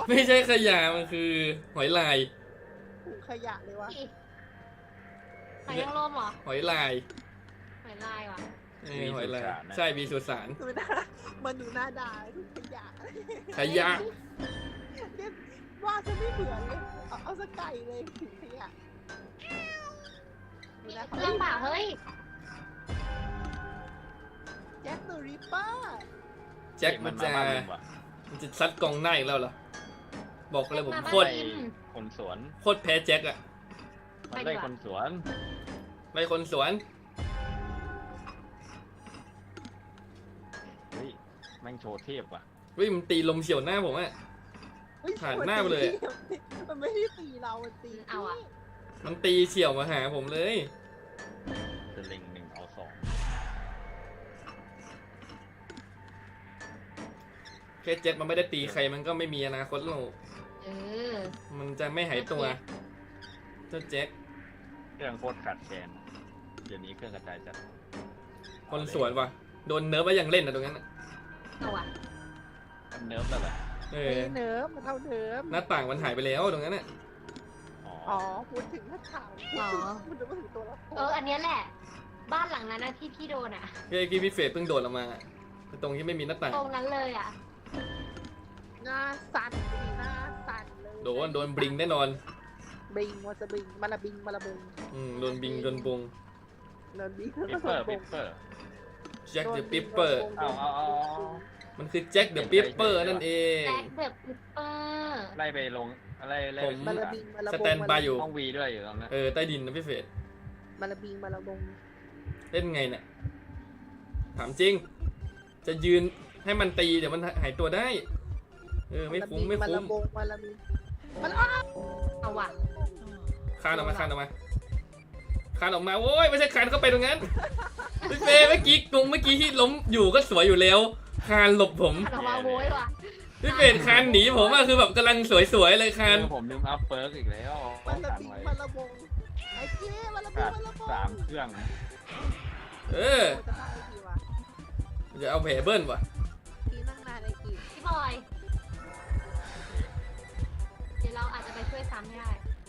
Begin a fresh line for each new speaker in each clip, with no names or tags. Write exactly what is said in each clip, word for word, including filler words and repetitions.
ไม่ใช่ขยะมันคือหอยลาย
ถุงขยะเลยวะ
หอยนางรมเหรอ
หอยลาย
หอยลายว่ะ
เออหอยลายใช่มีสุสาน
ดูหน้ามันดูหน้าด่าถุงขยะ
ขยะ
เนี่ยว่าจะไม่เหมือนเลยเอาเอาสกไก่เลยถุงขยะดูนะ
เรื่องเปล่าเฮ้ย
แจ็คเดอะริปเปอร์
แจ็คมันจะ
มาบ้านลุงว่ะ
มันจะซัดกองหน้าอีกแล้วเหรอบอกเลยผมโคตร
ไล่คนสวน
โคตรแพ้แจ็คอะ
มันไล่คนสวน
ไม่คนสวน
เฮ้ยแม่งโชว์เทพว่ะ
วิมันตีลมเฉียวหน้าผมอะ
เฮ้ย
ผ่านหน้าไปเลย
มันไม่ได้ตีเรามันตี
เอาอะ
มันตีเฉียวมาหาผมเลย
จะเล็งหนึ่งเอาสอง
แค่แจ็คมันไม่ได้ตีใครมันก็ไม่มีอนาคตหรอก
เออ
มันจะไม่หายตัวเจ้าแจ็ค
เครื่องโคตรขาดแคลนเดี๋ยวนี้เครื่องกระจายจัด
คนสวนว่ะโดนเนิร์ฟแล้วยังเล่นอะตรงนั้นอะ
เอาอะ
มันเนิร์ฟแล้วแหละ
เอ
เอ
อ
เนิร์ฟมันเท่าเนิร์ฟ
หน้าต่างมันหายไปแล้วตรงนั้นอะ
อ๋อ
อ๋อพูดถึงหน้าข่าวพูดถึงพูดถึงตัวละคร
เออ อันเนี้ยแหละ บ้านหลังนั้นนะที่พี่โดนอะ
เมื่อกี้พี่เฟรดเพิ่งโดดออกมาตรงที่ไม่มีหน้าต่าง
ตรงนั้นเลยอะ
หน้าสั่นดีหน้าสั่นเลย
โดนโดนบลิงแน่นอน
บิงวาจะบิงมาละบิงมาละบิง
อืมโดนบิงโดนบง
โดนบิง
ปิปเปอร์ปิปเปอร์
แจ็คเดอะปิปเปอร์
เอาเอาเอาเอา
มันคือแจ็คเดอะปิปเปอร์นั่นเอง
แจ็คเดอะปิปเปอร์
ไล่ไปลงไล่ไล่
ผม
มาละบิงมาละ
ส
บง
แตนบายอยู่
ห้องวีด้วยอยู่ตรงนั้น
เออใต้ดินนะพี่เฟรด
มาละบิงมาละบง
เล่นไงเนี่ยถามจริง จะยืนให้มันตีเดี๋ยวมันหายตัวได้เออไม่คุ้มไม่
มา
คุ้
ละ
ม
บงมาละบิงมัน
เอาว่ะ
คานออกมาคานออกมาคานออกมาโว้ยไม่ใช่คานเข้าไปตรงนั้นพี่เฟรดเมื่อกี้ตรงเมื่อกี้ที่ล้มอยู่ก็สวยอยู่แล้วคานหลบผม
เอามาโว้ยว่ะ
พี่เฟรดคานหนีผมอะคือแบบกำลังสวยๆเลยคาน
เออผมลืมอัพเปิร์กอีกแล้ว
มาละ
กัน
บิง
ไว้
มาละบงไอ้เจ๊มาละบิ
ขาง ด
มาละบง
สามเครื่อง
เออ
จะได้ไอ้ทีวะ
จะเอาแผลเบิ้ลว่ะ
ทีนั่งนานไอ้กี
พี่บอย เดี๋ยวเราอาจจะไปช่วยซ้ำไม่ได้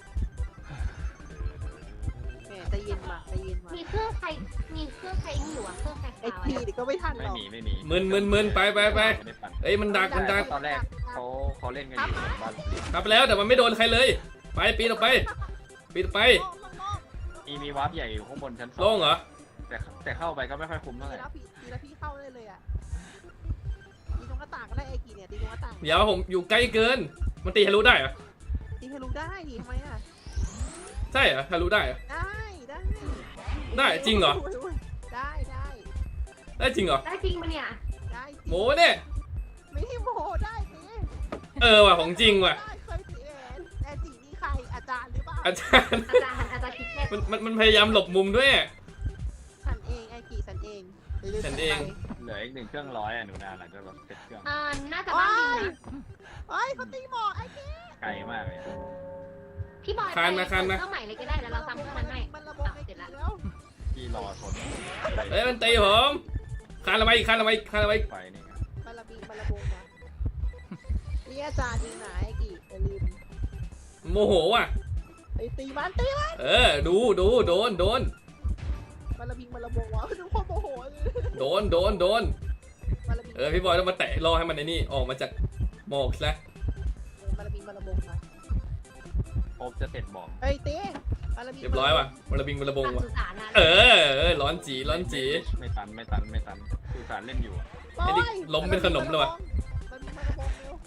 แหมใจเย็นมาใจเย็นมา
มีเครื่องใคร มีเครื่องใครอยู่อะเครื่องใคร
ไอ้
คา
ที
ไว้
เดี๋ยวก็ไม่ทันห
ไม่
รอก
มีไม่มี
มึนมึนมึนไปไปไป
ไม่ได้ปั่น
เอ้ยมันดักมันดัก
ตอนแรกเขาเขาเล่นกันอยู่บ้าน
ครับแล้วแต่มันไม่โดนใครเลย ไปปีนออกไปปีนออกไป
มีมีวาร์ปใหญ่อยู่ข้างบนชั้นส
โล่
อง
งเหรอ
แต่แต่เข้าไปก็ไม่ค่อยคุ้ม
ตี
เท่าไหร่
แล้วพี่ตีแล้วพี่เข้าได้เลยอ่ะตีตรงหน้าต่างก็ได้ไอ้กีเนี่ยตีตรงหน้าต่าง
เดี๋ยวผมอยู่ใกล้เกิน มันตีทะลุได้เหรอ
ตีให้รู้ได้ดิทำไมอ่ะ
ใช่เหรอทะลุได้เหรอ
ได้ได้
ได้จริงเหรอ
ได้ได้
ได้จริงเหรอ
ได้จริงปะเนี่ย
ได้จริง
โมเนี่ย
ไม่ให้โมได้สิ
เออว่ะของจริงว่ะ
ได้เคยตีแอนแอนตีนี่ใครอาจารย์หรือเปล่า
อาจารย์
อาจารย์อาจารย์คิดแค่
มันมันมันพยายามหลบมุมด้วย
ฉันเองไอ้กีฉันเองดี๋ยว
ฉันเอง
เหลืออีกหนึ่งเครื่องร้อยอ่ะหนูนาหลังจากรถเสร็จเครื่อง
อ่าน่าจะบ้านดินนะ
เฮ้ยเขาตีหมอไอ้กี
ไกลมากเลย
พี่บอย
คานมาคานมา
เครื่องใหม่เลยก็ได้แล้วเราซ้ำเครื่องนั้นให้
มันระบบ
อ่ะ
ไอ้
เสร็
กี
จแล้ว
แล้ว
ที่รอชน
เอ้ยมันตีผมคานละไว้คานละไว้คานละไว้
ไฟนี่ครับ
มันระบีมันระบงนะนี่อาจารย์ยิงไหนไอ้กีอย่าลืม
โมโหว่ะ
ไอ้ตีมันตีมัน
เออดูดูโดนโดน
มันระบิงมันระบงวะดูความโมโหเลย
โดนโดนโดน
มันระบิง
เออพี่บอยต้องมาแตะรอให้มันไอ้นี่ออกมาจากหมอกซะ
มันระบิงมันระบงมา
โอบจะเสร็จบอก
เฮ้ยตีมันระบิง
เรียบร้อยว่ะมันระบิงมันระบง
ตาม
ว่ะ
สุสานนะ
เออเออร้อนจีร้อนจี
ไม่ตันไม่ตันไม่ตันคือสารเล่นอยู่อะ
ไอ้นี่ล้มเป็นขนมเลยว่ะ
มันมันระบงเร็ว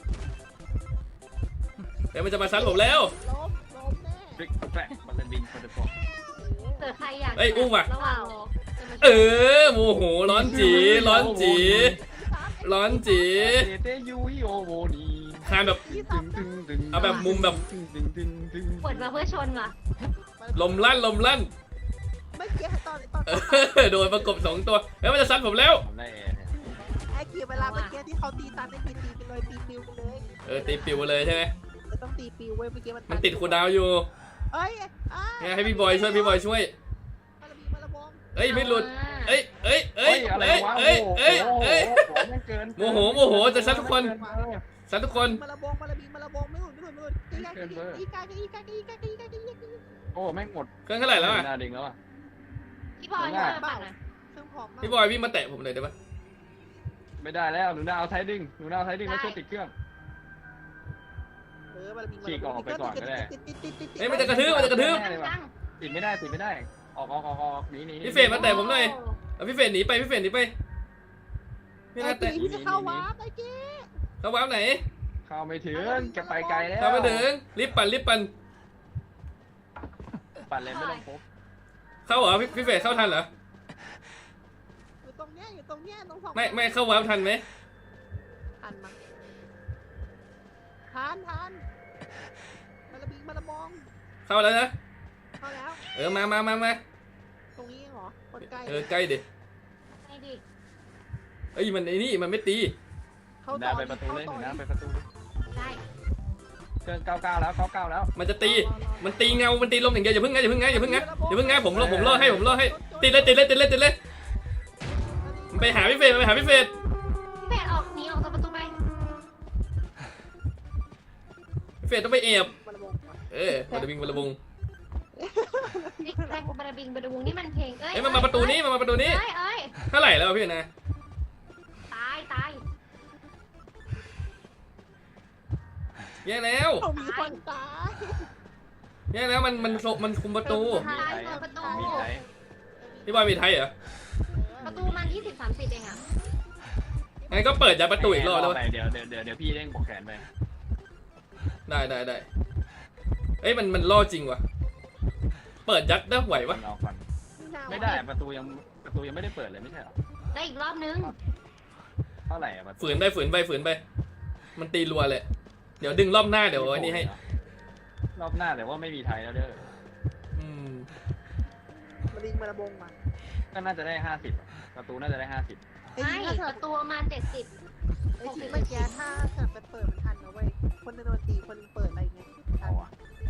เดี๋ยวมันจะมาซัดผมแล้ว
ล้มล้มแน่
ฟลิกแฟลกมันจะบินมันจะตก
เกิดใครอยาก
เอ้ยอุ้มว่ะ
ระหว่างรอจะมา
เออโมโหร้อนจีร้อนจีร้อนจี
เตเตยูฮิโอโวนี
คานแบบ
ตึงตึงตึง
เอาแบบมุมแบบ
ตึงตึงตึงตึง
เปิดมาเพื่อชนว่ะ
ลมลั่นลมลั่น
เมื่อกี้ตอนตอน
เออโดนประกบสองตัวเอ้ยมันจะซัดผมแล้ว
ทำได้แอร์เนี่ย
ไอ้กีเวลาเมื่อกี้ที่เขาตีตันไอ้กีตีไปเลยตีปิวไปเลย
เออตีปิวเลยใช่ไหม
จะต้องตีปิวเว้ยเมื่อกี้มัน
มันติดคูลดาวน์อยู่
เอ้ยอ่า
ไงให้พี่บอยช่วยพี่บอยช่วย
มันระบิงมันระบง
เอ้ยไม่หลุดเอ้ยเอ้ยเอ้ย
อะไร
เอ้ยว
ะ
เอ้ยเอ้ย
โอ้โห
เอ้ย
โอ้โหแม่งเกิน
โมโหโมโหจะซัดทุกคน
เออ
ซัดทุกคน
มาละบงมาละบิงมาละบงไม่หลุดไม่หลุดไม่หลุดอีกาอีกาอีกาอีกาอีกาอีกาอีกา
โอ้แม่งหมด
เครื่องเท่าไหร่แล้วอ่ะ
หน้าดิ่งแล้วอ่ะ
พี่บอยช่วยมาปั่นหน่อย
เครื่องผอมมาก
พี่บอยวิ่งมาแตะผมหน่อยได้ปะ
ไม่ได้แล้วหนูนาเอาไทยดึงหนูนาเอาไทยดึงแล้วช่วยติดเครื่อง
เออมาละบิง
ฉีกออกไปก่อนก็ได้
เอ้ยมันจะกระทืบมันจะกระทืบ
ตั้ง
ติดไม่ได้ติดไม่ได้ออกออกออกออกหนีหนี
พี่เฟรมมาแตะผมหน่อยเอาพี่เฟรนหนีไปพี่เฟรนหนีไปพี่
ไอ้
นาแตะ
กีพี่จะเข้าวาร์ปไอ้กี
เขาวาร์ปไหน
เข้าไม่ถึงแกไปไกลแล้ว
เข้ามาถึงรีบปั่นรีบปั่น
ปั่นเลยไม่ต้องพบ
เข้าเหรอพี่พี่เฟรนเข้าทันเหรอ
อยู่ตรงเนี้ยอยู่ตรงเนี้ยตรงสอง
ไม่ไม่เข้าวาร์ปทันไหม
ทันมั้งทันทันมาละบิงมาละบง
เข้าแล้วนะ
เข้าแล้ว
เออมามามามา
ตรงนี้เหรอคนใกล้
เออใกล้ดิ
ไอ้ดิ
เอ้ยมันไอ้นี่มันไม่ตี
เข้า
ห
ต่
น้า
อ
ไปประตูเลยห
เข้า
นู
ต่อ
นาไปประตู
ได้
เครื่องเก้าเก้าแล้วเก้าเก้าแล้ว
มันจะตีมันตีเงามันตีลมอย่างเดียวอย่าเพิ่งไงอย่าเพิ่งไงอย่าเพิ่งไงอย่าเพิ่งไงผมรอผมรอให้ผมรอให้ติดเลยติดเลยติดเลยติดเลยมันไปหาพี่เฟรนมันไปหาพี่เฟรน
พี่เฟรออกหนีออกจากประตูไป
พี่เฟรนต้องไปแอบ
มาละบง
เออมันจะวิ่งมันจะวง
นี่แรกบาราบิงบาราบุงนี่มันเพลงเอ้ย
เอ้ยมันมาประตูนี้มันมาประตูนี้
เอ้ยเอ้ย
เท่าไหร่แล้วพี่นะ
ตายตาย
แย่แล้ว
เขามีคนตาย
แย่แล้วมันมันมันคุมประตู
ตายเปิดประตู
มีไทย
พี่บอยมีไทยเหรอ
ประตูมันยี่สิบสามสิบเองอ่ะ
งั้นก็เปิดยัดประตูอีกรอบแล้ว
ไปเดี๋ยวเดี๋ยวเดี๋ยวเดี๋ยวพี่เร่งบอกแขนไป
ได้ได้ได้เอ้ยมันมันล่อจริงวะเปิดยัดได้ไหวปะ
รอก่อนไม่ได้ประตูยังประตูยังไม่ได้เปิดเลยไม่ใช่หรอ
ได้อีกรอบนึง
เท่าไหร่อะประตู
ฝืนไปฝืนไปฝืนไป มันตีรัวเลยเดี๋ยวดึงรอบหน้าเดี๋ยวไอ้นี่ให้
รอบหน้าแต่ว่าไม่มีไทยแล้วเด้อ
อืม
มาลิงมาละบงมา
ก็น่าจะได้ห้าสิบประตูน่าจะได้ห้าสิบ
ไอ้
ไม่
ที่ถ้า
ประตูประมาณเจ็ดสิบ
ไอ้ที่เมื่อกี้ถ้าเกิดไปเปิดมันทันนะเว้ยคนหนึงโดนตีคนหนึงเปิดอะไรเงี้ยทั
เอา
น
อะ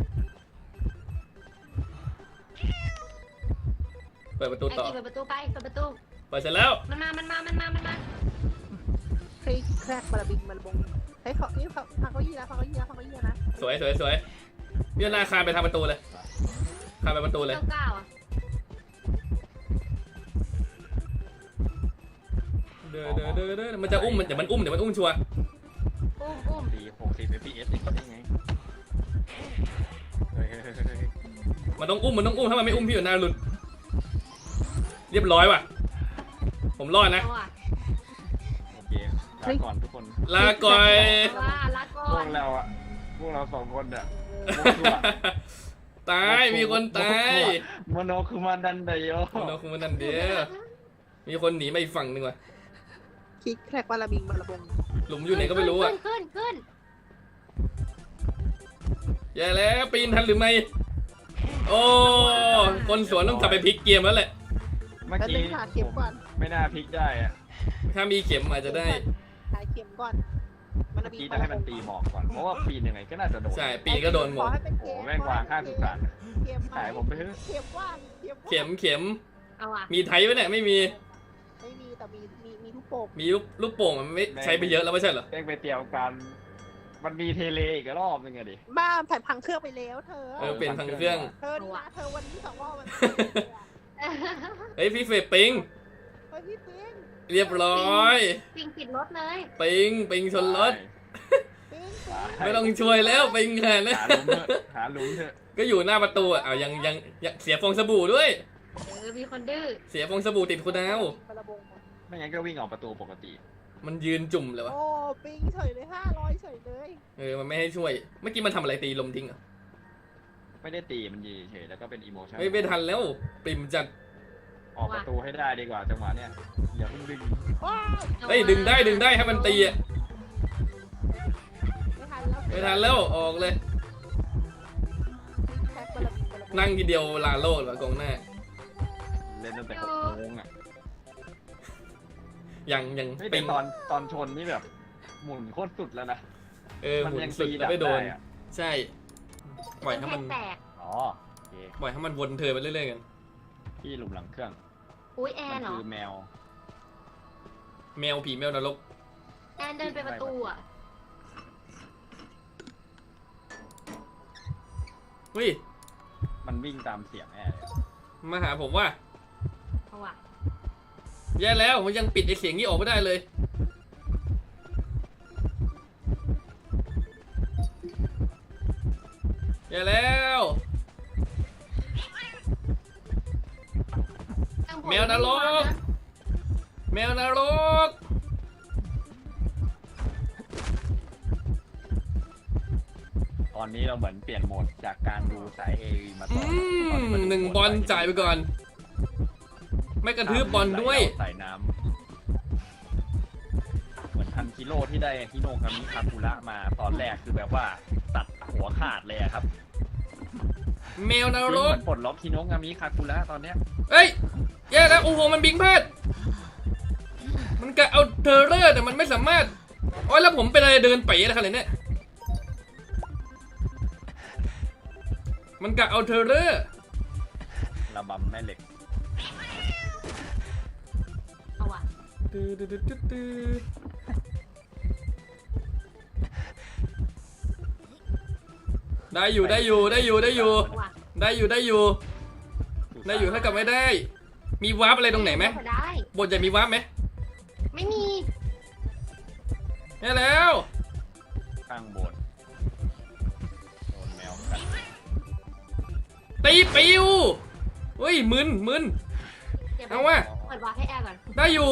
เปิดประตู
ไอ้
ต่อ
ดิเปิดประตูไปเปิดประตู
เปิดเสร็จแล้ว
มันมา มันมา มันมา มันมา
คลิกแครกมาละบิงมาละบงเฮ้ยเขานี่เขาพังเขายี่แล้วพังเขายี่แล้วพังเขายี่แล้วนะ
สวยสวยสวยพี่นาคานไปทางประตูเลยคานไปประตูเลย
เก้าเก้าอ่ะ
เด้อเด้อเด้อเด้อมันจะอุ้มมันเดี๋ยวมันอุ้มเดี๋ยวมันอุ้มชัวร์
อุ้มอุ้ม
ตีหกสิบ เอฟ พี เอส อย่างนี้ได้ไงเฮ้ยเฮ้ยเฮ้ยเฮ้ย
มันต้องอุ้มมันต้องอุ้มถ้ามันไม่อุ้มพี่อยู่หน้าหลุดเรียบร้อยว่ะผมรอดนะ
เอาอ่ะ
โอเคลาก่อนทุกคน
ลาก่อย
ว่าลาก่อ
พวน กเราอะพวกเราสองคนอะ
ตายมีคนตาย
โมโนคือมันดันไดโย
เราคงมันนั่นเดียวมีคนหนีมาอีกฝั่งหนึ่งว่ะ
คลิกแครกมาละบิงมาละบง
หลุมอยู่ไหนก็ไม่รู้อ่ะ
ขึ้นขึ้น
แย่แล้วปีนทันหรือไม่โอ้คนสวนต้องกลับไปพลิกเกมแล้วแหละ
เมื่อ
แล้ว
กี้
ดึงหาเข็มก่อน
ไม่น่าพลิกได้อะ
ถ้ามีเข็มอาจจะได้
หาเข็มก่อนมา
เมื่
ละ
อ
บิง
กี้จะให้มันตีหมอกก่อน เพราะว่าปีนยังไงก็น่าจะโดน
ใช่ปีนก็โดนหม
ขอ
ด
ให้เป็น
โอ้
เข็ม
แม่งวางข้างสุสาน
เข็ม
ขายผมไปเถอะ
เข็มว่างเข็มว่าง
เข็มเข็ม
เอาอ่ะ
มีไทยไหมเนี่ยไม่มี
ไม่มีแต่มีมีมีทุกโป่ง
มีลูกลูกโป่งมันไม่ใช้ไปเยอะแล้วไม่ใช่เหรอ
แม่งไปเตรียมการมันมีเทเลอีกรอบนึงอะดิ
บ้าผ่านพังเครื่องไปแล้วเธอ
เออเปลี่ยนทางเครื่อง
เธอนี่นะเธอวันนี้สองรอบมัน
เฮ้ยพี่เฟยปิง
เฮ้ยพี่ปิง
เรียบร้อย
ปิงปิดรถเลย
ปิงปิงชนรถ
ปิง
ไม่ต้องช่วยแล้วปิงแค่นั้น
หาหลุมเถอะหาหลุมเถอะ
ก็อยู่หน้าประตูอ่ะเอายังยังยังเสียฟองสบู่ด้วย
เออมีคนดื้อ
เสียฟองสบู่ติดคุณดาว
ปะระบง
ไม่งั้นก็วิ่งออกประตูปกติ
มันยืนจุ่มเลยวะ
โอ้ปิงเฉยเลยห้าร้อยเฉยเลย
เออมันไม่ให้ช่วย เมื่อกี้มันทำอะไรตีลมทิ้งอ่ะ
ไม่ได้ตีมันยืนเฉยแล้วก็เป็นอีโมชั่น
ไม่ไม่ทันแล้วปริมจัด
ออกประตูให้ได้ดีกว่าจังหวะเนี้ยอย่าเพิ่งดึง
ว้าว
เฮ้ยดึงได้ดึงได้ให้มันตีอ่ะ
ไม่ทันแล้ว
ไม่ทันแล้วออกเลย
แท็กปะระบงปะระบง
นั่งทีเดียวลาโลดว่ะกองหน้า
เล่นตั้งแต่หกโมงอ่ะ
ยังยัง
เฮ้ย
ปิ
แต่
ง
ตอนตอนชนนี่แบบ หมุนโคตรสุดแล้วนะ
เออห
มัน
มุน
ยัง
สุด
ตี
แล้วไม่โดน
ดับได้อะ
ใช่ปล่อยให้มัน
แตก
อ๋อโอเค
ปล่อยให้มันวนเธอไปเรื่อยๆกัน
ที่หลุมหลังเครื่อง
อุ้ยแอ
มัน
นเหรอ
คือแมว
แมวผีแมวนรก
แอนเดินไปประตูอ่ะ
อุ้ย
มันวิ่งตามเสียงแน่เลย
มาหาผมว่า
เอาว่ะ
แย่แล้วผมยังปิดไอเสียงนี้ออกไม่ได้เลยแย่แล้ว แมวนรก แมวนรก
ตอนนี้เราเหมือนเปลี่ยนโหมดจากการดูสายเอมาต่
อื
อ
มหนึ่งบอลจ่ายไปก่อน ไม่กระทืบบอลด้วย
ใส่น้ำเหมือนทันกิโลที่ได้ฮิโนคามิคาคุระมาตอนแรกคือแบบว่าตัดหัวขาดเลยอะครับ
แมวน
จริง
ร
เห
ก
มือนปลดล็อกฮิโนคามิคาคุระตอนเนี้ย
เอ้ยแย่แล้วโอ้โหมันบิงพลาดมันกะเอาเทอร์เรอร์แต่มันไม่สามารถโอ้ยแล้วผมเป็นอะไรเดินไปนะครับเนี่ยมันกะเอาเทอร์เรอร์
ระบำแม่เหล็ก
เอาว่ะ
ตื้อตื้อตื้อตื้อตื้อได้อยู่ได้อยู่ได้อยู่ได้อยู่
เอาว่ะ
ได้อยู่ได้อยู่ได้อยู่ถ้ากับไม่ได้ มีวาร์ปอะไรตรงไหนไหม
ได้
บทใหญ่มีวาร์ปไหม
ไม่มี
แย่แล้ว
ข้างโบสถ์โดนแมวกัด
ตีปิวเฮ้ยมึนมึน
ดี๋ยว
เอาว่ะ
เปิดวาร์ปให้แอร์ก่อน
ได้อยู่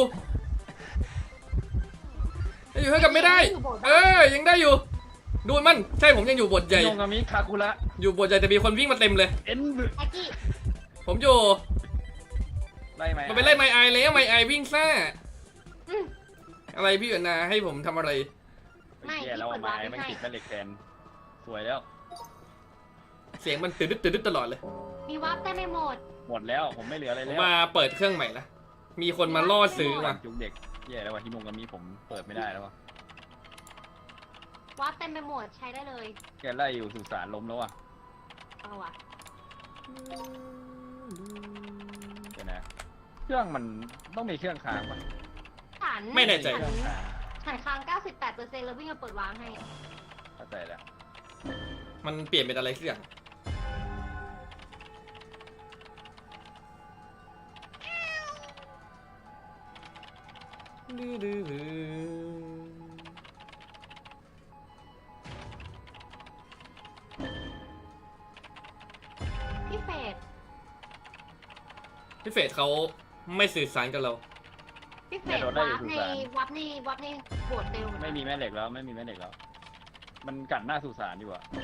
ได้อยู่ถ้ากับไม่ได้ เออยังได้อยู่ดูมันใช่ผมยังอยู่บทใหญ่
ฮิโนคามิคาคุระ
อยู่บทใหญ่แต่มีคนวิ่งมาเต็มเลย
เอ็น
แอ็กกี้
ผมอยู่
ไล่ไหม
มันไปไล่ไมไอแล้วไมไอวิ่งซ่า
อืม
อะไรพี่อนาให้ผมทำอะไร
ไอ้เหี้ยแล้วเอาไม้ไม่ติดแม่เหล็กแทนสวยแล้ว
เสียงมันตื่นดึ๊ดตื่นดึ๊ดตลอดเลย
มีวาร์ปได้ไม่หมด
หมดแล้วผมไม่เหลืออะไร
ผม
แล้ว
มาเปิดเครื่องใหม่ละมีคนมาล่อซื้อมา
จุกเด็กแย่แล้วว่ะฮิโนคามิผมเปิดไม่ได้แล้วว่ะ
วาร์ปเต็มไปหมดใช้ได้เลย
แกไล่อยู่สุสานล้มแล้วว่ะ
เอาว่ะ
เดี๋ยวนะเครื่องมันต้องมีเครื่องค้างป่ะ
ฐาน
ไม่แน่ใจ
เครื่องค้าง
ฐานค้าง เก้าสิบแปดเปอร์เซ็นต์ แล้ววิ่งมาเปิดวาร์ปให้
เข้าใจแล้ว
มันเปลี่ยนเป็นอะไรสักอย่างดื้อดื้อดื้อ
พี่เฟด
พี่เฟสเขาไม่สื่อสารกับเรา
พี่เฟดวาร์ปในวาร์ปในวาร์ปในโบสถ์เร็วเหอนกัน
ไม่มีแม่เหล็กแล้วไม่มีแม่เหล็กแล้ว มันกัดหน้าสุสานอยู่อะ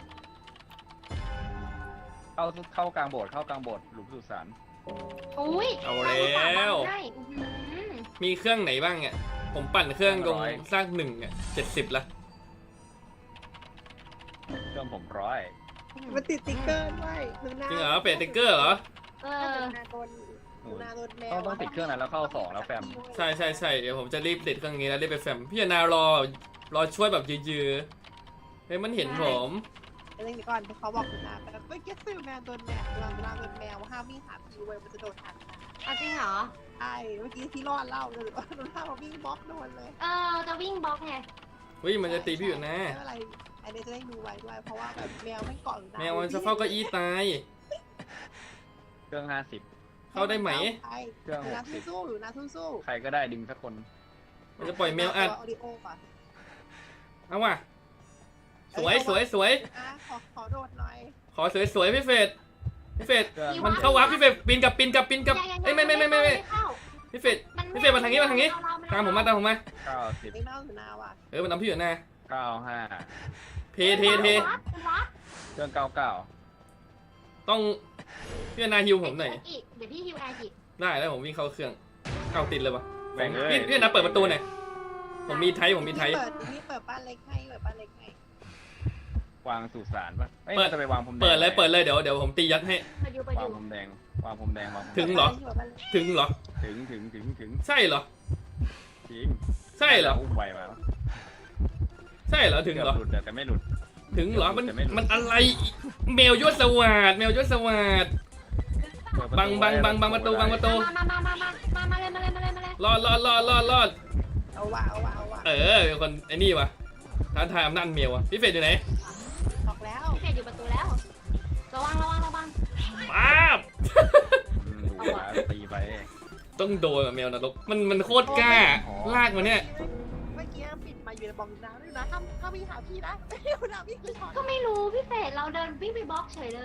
เข้าเข้ากลางโบสถ์เข้ากลางโบสถ์หลุมสุสาน
อุ้ย
เอาแล้ว
ได้อื้อหือ
มีเครื่องไหนบ้างเนี่ยผมปั่นเครื่องตรงสร้างหนึ่งอ่ะเจ็ดสิบละ
เครื่องผมร้อย
มันติดติ๊กเกอร์ด้วยหนูนา
จริงเหรอเปลี่ยนติ๊กเกอร์เหรอ
เอ
เอ
อ
อนาโดนหนูนาโดนแมว
ต้องต้องติดเครื่องนั้นแล้วเข้าสองแล้วแฟม
ใช่ใช่ใช่เดี๋ยวผมจะรีบติดเครื่องนี้แล้วรีบไปแฟมพี่นารอรอช่วยแบบยื้อๆเฮ้ยมันเห็นผม
เดี๋ยวก่อนเขาบอกหนูนาแบบไม่เก็ตซิลแมวโดนแมวเวลาเวลาโดนแมวห้ามวิ่งหาพีเว้ยมันจะโดนทัน
เอาจริงเหรอ
ใช่เมื่อกี้ที่รอดเล่าเลยว่าหนูนาเขาวิ่งบล็อกโดนเลย
เออ จะวิ่งบล็อกไง
เฮ้ยมันจะตีพี่อยู่นะ
ไม่เป็นไรอันนี้จะได้ดูไว้ด้วยเพราะว่าแบบแมวไม่เกาะหนูนา
แมวมันจะเฝ้าเก้าอี้ตาย
เครื่องห้าสิบ
เข้าได้ไหม
ใช่
เครื่อง
หนู
ห
นาก
สิบ
สู้ๆหนูนาสู้ๆ
ใครก็ได้ดึงสักคน
มันจะปล่อยแมวอัด
ออดิโอก่อน
เอาว่ะสวยสวยสวย
อ่ะขอขอโดดหน่อย
ขอสวยสวยพี่เฟสพี่เฟส
เครื่อง
มันเข้าวับพี่เฟสปีนกับปีนกับปีนกับ
ยังยัง
เอ้ยไม่ไม่ไม่ไม่ไม่
เข้า
พี่เฟส พี่เฟรมมาทางนี้มาทางนี้ ตามผมมาตามผมมา
เก้าสิบ
ไม่เล่าหนูนาว่ะ
เออมันนำพี่อยู่นะ
เก้าห้า
เทเทเท
วัดวัด
เครื่องเก้าเก้า
ต้องพี่นาฮิวผมหน่อย
อีกเดี๋ยวพี่ฮิวแอร์อีก
ได้แล้วผมวิ่งเข้าเครื่องเอาติดเลยปะ
แบ่งเลย
พี่พี่นาเปิดประตูหน่อยผมมีไทยผมมีไทย
เปิดนี่เปิดบ้านเล็กให้เปิดบ้านเล็กให้
วางสุสานป่ะอ้ย
เปิด
จะไปวางผมแดง
เปิดเลยเปิดเลยเดี๋ยวเดี๋ยวผมตียัดให้
ไปดูไป
วาง
ดู
ผมแดงวางผมแดงวางผม
ถึงเหรอ ถึงเหรอ
ถึงถึงถึงถึง
ใช่เหรอ
จริง
ใช่เหรอ
อุ้มไวมา
ใช่เหรอถึงเหรอ
กืบหลุดแต่ไม่หลุด
ถึงเหรอมัน
แต่ไม่รู้
มันอะไรแมวยศสวัสดแมวยศสวัสด
เปิดประตู
บังบังบังบังประตูบังประตู
มามามามามามามาเลยมาเลยมาเลยมาเลย
รอดรอดรอดรอดรอด
เอาว่ะเอาว่ะเอาว่ะ
เออเป็นคนไอ้นี่วะท้าทายอำนาจเมียวะพี่เฟรดอยู่ไหน
บอกแล้ว
พี่เฟดอยู่ประตูแล้วระวังระวังระวัง
ป้าบ
อืมดูนะตีไป
ต้องโดนอะแมวนรกมันมันโคตรกล้า ลากมาเนี่ย
เมื่อกี้ปิดมาอยู่ในบองน้ำด้วยนะห้ามห้ามวิ่งหาพี่นะไม่วิ่งหาพี่คือช็อต
ก็ไม่รู้พี่เฟรดเราเดินวิ่งไปบล็อกเฉยเลย